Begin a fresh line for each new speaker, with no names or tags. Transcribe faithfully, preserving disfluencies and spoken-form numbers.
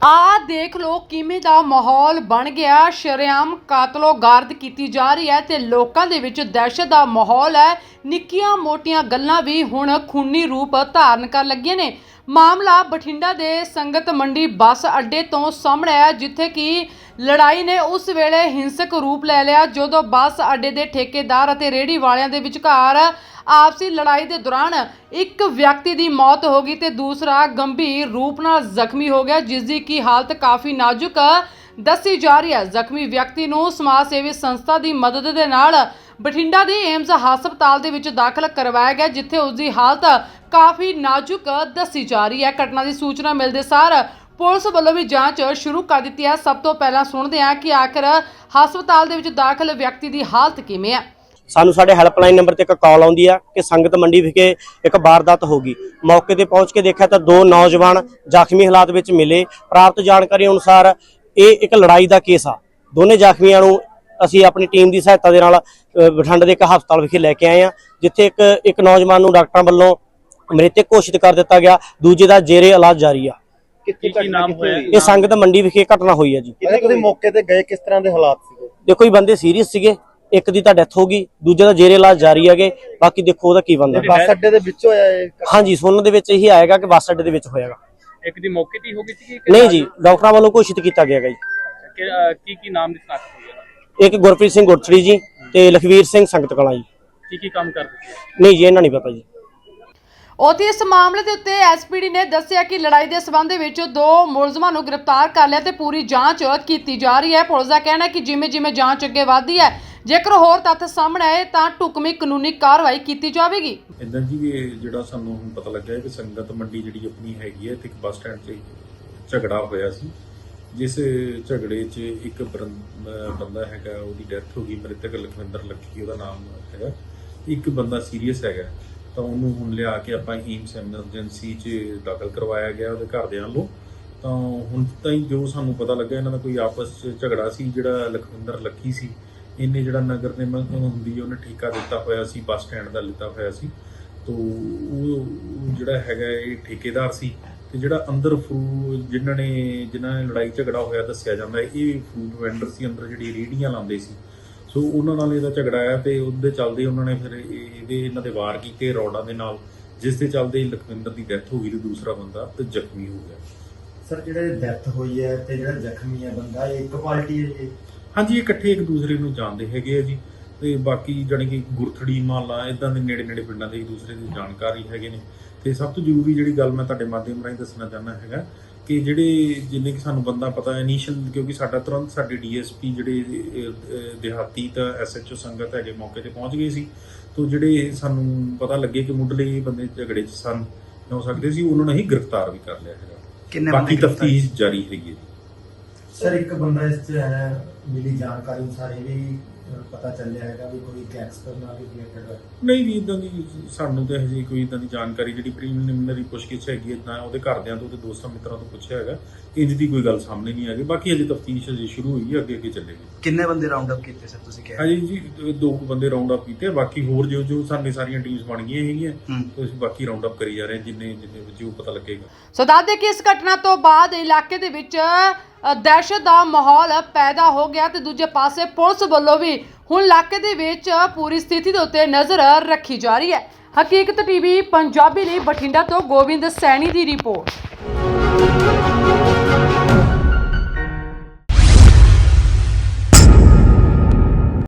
ਆ ਦੇਖ ਲੋ ਕਿਵੇਂ ਦਾ ਮਾਹੌਲ ਬਣ ਗਿਆ। ਸ਼ਰੇਆਮ ਕਾਤਲੋ ਗਾਰਦ ਕੀਤੀ ਜਾ ਰਹੀ ਹੈ ਤੇ ਲੋਕਾਂ ਦੇ ਵਿੱਚ ਦਹਿਸ਼ਤ ਦਾ ਮਾਹੌਲ ਹੈ। ਨਿੱਕੀਆਂ ਮੋਟੀਆਂ ਗੱਲਾਂ ਵੀ ਹੁਣ ਖੂਨੀ ਰੂਪ ਧਾਰਨ ਕਰਨ ਲੱਗੀਆਂ ਨੇ। ਮਾਮਲਾ ਬਠਿੰਡਾ ਦੇ ਸੰਗਤ ਮੰਡੀ ਬੱਸ ਅੱਡੇ ਤੋਂ ਸਾਹਮਣੇ ਆਇਆ, ਜਿੱਥੇ ਕਿ ਲੜਾਈ ਨੇ ਉਸ ਵੇਲੇ ਹਿੰਸਕ ਰੂਪ ਲੈ ਲਿਆ ਜਦੋਂ ਬੱਸ ਅੱਡੇ ਦੇ ਠੇਕੇਦਾਰ ਅਤੇ ਰੇਹੜੀ ਵਾਲਿਆਂ ਦੇ ਵਿਚਕਾਰ ਆਪਸੀ ਲੜਾਈ ਦੇ ਦੌਰਾਨ ਇੱਕ ਵਿਅਕਤੀ ਦੀ ਮੌਤ ਹੋ ਗਈ ਤੇ ਦੂਸਰਾ ਗੰਭੀਰ ਰੂਪ ਨਾਲ ਜ਼ਖਮੀ ਹੋ ਗਿਆ, ਜਿਸ ਦੀ ਕੀ ਹਾਲਤ ਕਾਫੀ ਨਾਜ਼ੁਕ ਦੱਸੀ ਜਾ ਰਹੀ ਹੈ। ਜ਼ਖਮੀ ਵਿਅਕਤੀ ਨੂੰ ਸਮਾਜ ਸੇਵੀ ਸੰਸਥਾ ਦੀ ਮਦਦ ਦੇ ਨਾਲ ਬਠਿੰਡਾ ਦੇ ਏਮਜ਼ ਹਸਪਤਾਲ ਦੇ ਵਿੱਚ ਦਾਖਲ ਕਰਵਾਇਆ ਗਿਆ, ਜਿੱਥੇ ਉਸ ਦੀ ਹਾਲਤ ਕਾਫੀ ਨਾਜ਼ੁਕ ਦੱਸੀ ਜਾ ਰਹੀ ਹੈ। ਘਟਨਾ ਦੀ ਸੂਚਨਾ ਮਿਲਦੇ ਸਾਰ ਪੁਲਿਸ ਵੱਲੋਂ ਵੀ ਜਾਂਚ ਸ਼ੁਰੂ ਕਰ ਦਿੱਤੀ ਹੈ। ਸਭ ਤੋਂ ਪਹਿਲਾਂ ਸੁਣਦੇ ਹਾਂ ਕਿ ਆਖਿਰ ਹਸਪਤਾਲ ਦੇ ਵਿੱਚ ਦਾਖਲ ਵਿਅਕਤੀ ਦੀ ਹਾਲਤ ਕਿਵੇਂ ਹੈ।
ਸਾਨੂੰ ਸਾਡੇ ਹੈਲਪਲਾਈਨ ਨੰਬਰ ਤੇ ਇੱਕ ਕਾਲ ਆਉਂਦੀ ਆ ਕਿ ਸੰਗਤ ਮੰਡੀ ਵਿਖੇ ਇੱਕ ਵਾਰਦਾਤ ਹੋ ਗਈ। ਮੌਕੇ ਤੇ ਪਹੁੰਚ ਕੇ ਦੇਖਿਆ ਤਾਂ ਦੋ ਨੌਜਵਾਨ ਜ਼ਖਮੀ ਹਾਲਾਤ ਵਿੱਚ ਮਿਲੇ। ਪ੍ਰਾਪਤ ਜਾਣਕਾਰੀ ਅਨੁਸਾਰ ਇਹ ਇੱਕ ਲੜਾਈ ਦਾ ਕੇਸ ਆ। ਦੋਨੇ ਜ਼ਖਮੀਆਂ ਨੂੰ ਅਸੀਂ ਆਪਣੀ ਟੀਮ ਦੀ ਸਹਾਇਤਾ ਦੇ ਨਾਲ ਬਠਿੰਡਾ ਦੇ ਇੱਕ ਹਸਪਤਾਲ ਵਿਖੇ ਲੈ ਕੇ ਆਏ ਆ, ਜਿੱਥੇ ਇੱਕ ਇੱਕ ਨੌਜਵਾਨ ਨੂੰ ਡਾਕਟਰਾਂ ਵੱਲੋਂ ਮ੍ਰਿਤਕ ਘੋਸ਼ਿਤ ਕਰ ਦਿੱਤਾ ਗਿਆ, ਦੂਜੇ ਦਾ ਜੇਰੇ ਇਲਾਜ ਜਾਰੀ ਆ।
ਕੀ ਨਾਮ ਹੋਇਆ?
ਇਹ ਸੰਗਤ ਮੰਡੀ ਵਿਖੇ ਘਟਨਾ ਹੋਈ ਹੈ ਜੀ।
ਤੁਸੀਂ ਮੌਕੇ ਤੇ ਗਏ, ਕਿਸ ਤਰ੍ਹਾਂ ਦੇ ਹਾਲਾਤ ਸੀਗੇ?
ਦੇਖੋ ਜੀ, ਬੰਦੇ ਸੀਰੀਅਸ ਸੀਗੇ, ਇੱਕ ਦੀ ਤਾਂ ਡੈਥ ਹੋ ਗਈ, ਦੂਜੇ ਦਾ ਜੇਰੇ ਇਲਾਜ ਜਾਰੀ ਹੈਗੇ। ਬਾਕੀ ਦੇਖੋ ਉਹਦਾ ਕੀ ਬਣਦਾ।
ਬੱਸ ਅੱਡੇ ਦੇ ਵਿੱਚ ਹੋਇਆ ਇਹ?
ਹਾਂਜੀ, ਸੁਣਨ ਦੇ ਵਿੱਚ ਇਹੀ ਆਏਗਾ ਕਿ ਬੱਸ ਅੱਡੇ ਦੇ ਵਿੱਚ ਹੋਏਗਾ।
ਇੱਕ ਦੀ ਮੌਕੇ ਤੇ ਹੋ ਗਈ ਸੀ?
ਨਹੀਂ ਜੀ, ਡਾਕਟਰਾਂ ਵੱਲੋਂ ਘੋਸ਼ਿਤ ਕੀਤਾ ਗਿਆ ਜੀ।
ਕੀ ਕੀ ਨਾਮ ਦੀ ਸਨਾਖਤ ਹੋਈ ਹੈ?
ਇੱਕ ਗੁਰਪ੍ਰੀਤ ਸਿੰਘ ਗੁਰਚੜੀ ਜੀ ਤੇ ਲਖਵੀਰ ਸਿੰਘ ਸੰਗਤ ਕਲਾਂ ਜੀ।
ਕੀ ਕੀ ਕੰਮ ਕਰਦੇ ਸੀ?
ਨਹੀਂ ਜੀ, ਇਹਨਾਂ ਨਹੀਂ ਪਤਾ ਜੀ।
ਉੱਥੇ ਇਸ ਮਾਮਲੇ ਦੇ ਉੱਤੇ ਐਸਪੀਡੀ ਨੇ ਦੱਸਿਆ ਕਿ ਲੜਾਈ ਦੇ ਸਬੰਧ ਵਿੱਚ ਦੋ ਮੁਲਜ਼ਮਾਂ ਨੂੰ ਗ੍ਰਿਫਤਾਰ ਕਰ ਲਿਆ ਤੇ ਪੂਰੀ ਜਾਂਚ ਕੀਤੀ ਜਾ ਰਹੀ ਹੈ। ਪੁਲਿਸ ਦਾ ਕਹਿਣਾ ਹੈ ਕਿ ਜਿਵੇਂ ਜਿਵੇਂ ਜਾਂਚ ਅੱਗੇ ਵਧਦੀ ਹੈ, ਜੇਕਰ ਹੋਰ ਤੱਥ ਸਾਹਮਣੇ ਆਏ ਤਾਂ ਢੁਕਵੀਂ ਕਾਨੂੰਨੀ ਕਾਰਵਾਈ ਕੀਤੀ ਜਾਵੇਗੀ।
ਇਦਾਂ ਜੀ ਇਹ ਜਿਹੜਾ ਸਾਨੂੰ ਹੁਣ ਪਤਾ ਲੱਗਾ ਹੈ ਕਿ ਸੰਗਤ ਮੰਡੀ ਜਿਹੜੀ ਆਪਣੀ ਹੈਗੀ ਹੈ ਤੇ ਇੱਕ ਬੱਸ ਸਟੈਂਡ 'ਤੇ ਝਗੜਾ ਹੋਇਆ ਸੀ, ਜਿਸ ਝਗੜੇ 'ਚ ਇੱਕ ਬੰਦਾ ਹੈਗਾ ਉਹਦੀ ਡੈਥ ਹੋ ਗਈ, ਮ੍ਰਿਤਕ ਲਖਵਿੰਦਰ ਲੱਖੀ ਉਹਦਾ ਨਾਮ ਹੈਗਾ। ਇੱਕ ਬੰਦਾ ਸੀਰੀਅਸ ਹੈਗਾ, ਤਾਂ ਉਹਨੂੰ ਹੁਣ ਲਿਆ ਕੇ ਆਪਾਂ ਏਮਸ ਐਮਰਜੈਂਸੀ 'ਚ ਦਾਖਲ ਕਰਵਾਇਆ ਗਿਆ ਉਹਦੇ ਘਰਦਿਆਂ ਵੱਲੋਂ। ਤਾਂ ਹੁਣ ਤਾਈਂ ਜੋ ਸਾਨੂੰ ਪਤਾ ਲੱਗਾ, ਇਹਨਾਂ ਦਾ ਕੋਈ ਆਪਸ 'ਚ ਝਗੜਾ ਸੀ। ਜਿਹੜਾ ਲਖਵਿੰਦਰ ਲੱਖੀ ਸੀ, ਇਹਨੇ ਜਿਹੜਾ ਨਗਰ ਨਿਗਮ ਹੁੰਦੀ ਹੈ ਉਹਨੇ ਠੇਕਾ ਦਿੱਤਾ ਹੋਇਆ ਸੀ, ਬੱਸ ਸਟੈਂਡ ਦਾ ਲਿੱਤਾ ਹੋਇਆ ਸੀ। ਤੋ ਉਹ ਜਿਹੜਾ ਹੈਗਾ ਇਹ ਠੇਕੇਦਾਰ ਸੀ, ਤੇ ਜਿਹੜਾ ਅੰਦਰ ਫਰੂ ਜਿਨ੍ਹਾਂ ਨੇ ਜਿਨ੍ਹਾਂ ਨੇ ਲੜਾਈ ਝਗੜਾ ਹੋਇਆ ਦੱਸਿਆ ਜਾਂਦਾ ਇਹ ਫੂਡ ਵੈਂਡਰ ਸੀ, ਅੰਦਰ ਜਿਹੜੀ ਰੇਹੜੀਆਂ ਲਾਉਂਦੇ ਸੀ। ਸੋ ਉਹਨਾਂ ਨਾਲ ਇਹਦਾ ਝਗੜਾ ਆਇਆ ਤੇ ਉਹਦੇ ਚੱਲਦੇ ਉਹਨਾਂ ਨੇ ਫਿਰ ਇਹਦੇ ਇਹਨਾਂ ਦੇ ਵਾਰ ਕੀਤੇ ਰੋਡਾਂ ਦੇ ਨਾਲ, ਜਿਸ ਦੇ ਚੱਲਦੇ ਲਖਵਿੰਦਰ ਦੀ ਡੈਥ ਹੋ ਗਈ ਤੇ ਦੂਸਰਾ ਬੰਦਾ ਤੇ ਜ਼ਖਮੀ ਹੋ ਗਿਆ।
ਸਰ, ਜਿਹੜੇ ਡੈਥ ਹੋਈ ਹੈ ਤੇ ਜਿਹੜਾ ਜ਼ਖਮੀ ਹੈ ਬੰਦਾ, ਇਹ ਇੱਕ ਪਾਰਟੀ ਹੈ ਜੀ?
ਹਾਂਜੀ, ਇਹ ਇਕੱਠੇ ਇੱਕ ਦੂਸਰੇ ਨੂੰ ਜਾਣਦੇ ਹੈਗੇ ਆ ਜੀ। ਤੇ ਬਾਕੀ ਜਾਣੀ ਕਿ ਗੁਰਥੜੀ ਮਾਲਾ ਇਦਾਂ ਦੇ ਨੇੜੇ ਨੇੜੇ ਪਿੰਡਾਂ ਦੇ ਇੱਕ ਦੂਸਰੇ ਦੀ ਜਾਣਕਾਰੀ ਹੈਗੇ ਨੇ। ਤੇ ਸਭ ਤੋਂ ਜ਼ਰੂਰੀ ਜਿਹੜੀ ਗੱਲ ਮੈਂ ਤੁਹਾਡੇ ਮਾਧਿਅਮ ਰਾਹੀਂ ਦੱਸਣਾ ਚਾਹੁੰਦਾ ਹੈਗਾ ਕਿ ਜਿਹੜੇ ਜਿੰਨੇ ਕਿ ਸਾਨੂੰ ਬੰਦਾ ਪਤਾ ਇਨੀਸ਼ੀਅਲ, ਕਿਉਂਕਿ ਸਾਡਾ ਤੁਰੰਤ ਸਾਡੇ ਡੀਐਸਪੀ ਜਿਹੜੇ ਦਿਹਾਤੀ ਤਾਂ ਐਸਐਚਓ ਸੰਗਤ ਹੈਗੇ ਮੌਕੇ ਤੇ ਪਹੁੰਚ ਗਏ ਸੀ। ਤੋਂ ਜਿਹੜੇ ਸਾਨੂੰ ਪਤਾ ਲੱਗੇ ਕਿ ਮੁੱਢਲੇ ਬੰਦੇ ਝਗੜੇ 'ਚ ਸਨ ਹੋ ਸਕਦੇ ਸੀ, ਉਹਨਾਂ ਨੂੰ ਹੀ ਗ੍ਰਿਫਤਾਰ ਵੀ ਕਰ ਲਿਆ ਹੈਗਾ। ਬਾਕੀ ਤਫਤੀਸ਼ ਜਾਰੀ ਹੈਗੀ ਹੈ।
ਸਰ, ਇੱਕ ਬੰਦਾ ਇਸ 'ਚ ਹੈ, ਮਿਲੀ ਜਾਣਕਾਰੀ ਅਨੁਸਾਰ ਇਹ ਵੀ ਪਤਾ ਚੱਲਿਆ ਹੈਗਾ ਵੀ ਕੋਈ ਗੈਂਗਸਟਰ ਨਾਲ ਰਿਲੇਟਡ ਹੈ?
ਨਹੀਂ ਜੀ, ਇਦਾਂ ਦੀ ਸਾਨੂੰ ਤਾਂ ਹਜੇ ਕੋਈ ਇਦਾਂ ਦੀ ਜਾਣਕਾਰੀ ਜਿਹੜੀ ਪ੍ਰੀਲਿਮਿਨਰੀ ਪੁੱਛਗਿੱਛ ਹੈਗੀ ਹੈ ਉਹਦੇ ਘਰਦਿਆਂ ਤੋਂ ਤੇ ਦੋਸਤਾਂ ਮਿੱਤਰਾਂ ਤੋਂ ਪੁੱਛਿਆ ਹੈਗਾ, ਇੰਜ ਦੀ ਕੋਈ ਗੱਲ ਸਾਹਮਣੇ ਨਹੀਂ ਆਈ। ਬਾਕੀ ਹਜੇ ਤਫਤੀਸ਼ ਹਜੇ ਸ਼ੁਰੂ ਹੋਈ ਹੈ, ਅੱਗੇ ਅੱਗੇ ਚੱਲੇਗੀ।
ਕਿੰਨੇ ਬੰਦੇ ਰਾਉਂਡ ਅਪ ਕੀਤੇ ਸਰ ਤੁਸੀਂ ਕਿਹਾ?
ਹਾਂਜੀ ਜੀ, ਦੋ ਬੰਦੇ ਰਾਉਂਡ ਅਪ ਕੀਤੇ, ਬਾਕੀ ਹੋਰ ਜੋ ਜੋ ਸਾਡੀ ਸਾਰੀਆਂ ਟੀਮਸ ਬਣ ਗਈਆਂ ਹੈਗੀਆਂ, ਤੇ ਅਸੀਂ ਬਾਕੀ ਰਾਉਂਡ ਅਪ ਕਰੀ ਜਾ ਰਹੇ ਹਾਂ ਜਿੰਨੇ ਜਿੰਨੇ ਵਿੱਚ ਉਹ ਪਤਾ ਲੱਗੇਗਾ।
ਸੋ ਦੱਸ ਦੇ ਕਿ ਇਸ ਘਟਨਾ ਤੋਂ ਬਾਅਦ ਇਲਾਕੇ ਦੇ ਵਿੱਚ ਦਹਿਸ਼ਤ ਦਾ ਮਾਹੌਲ ਪੈਦਾ ਹੋ ਗਿਆ ਤੇ ਦੂਜੇ ਪਾਸੇ ਪੁਲਿਸ ਵੱਲੋਂ ਵੀ ਹੁਣ ਇਲਾਕੇ ਦੇ ਵਿੱਚ ਪੂਰੀ ਸਥਿਤੀ ਦੇ ਉੱਤੇ ਨਜ਼ਰ ਰੱਖੀ ਜਾ ਰਹੀ ਹੈ। ਹਕੀਕਤ ਟੀਵੀ ਪੰਜਾਬੀ ਲਈ ਬਠਿੰਡਾ ਤੋਂ ਗੋਬਿੰਦ ਸੈਣੀ ਦੀ ਰਿਪੋਰਟ।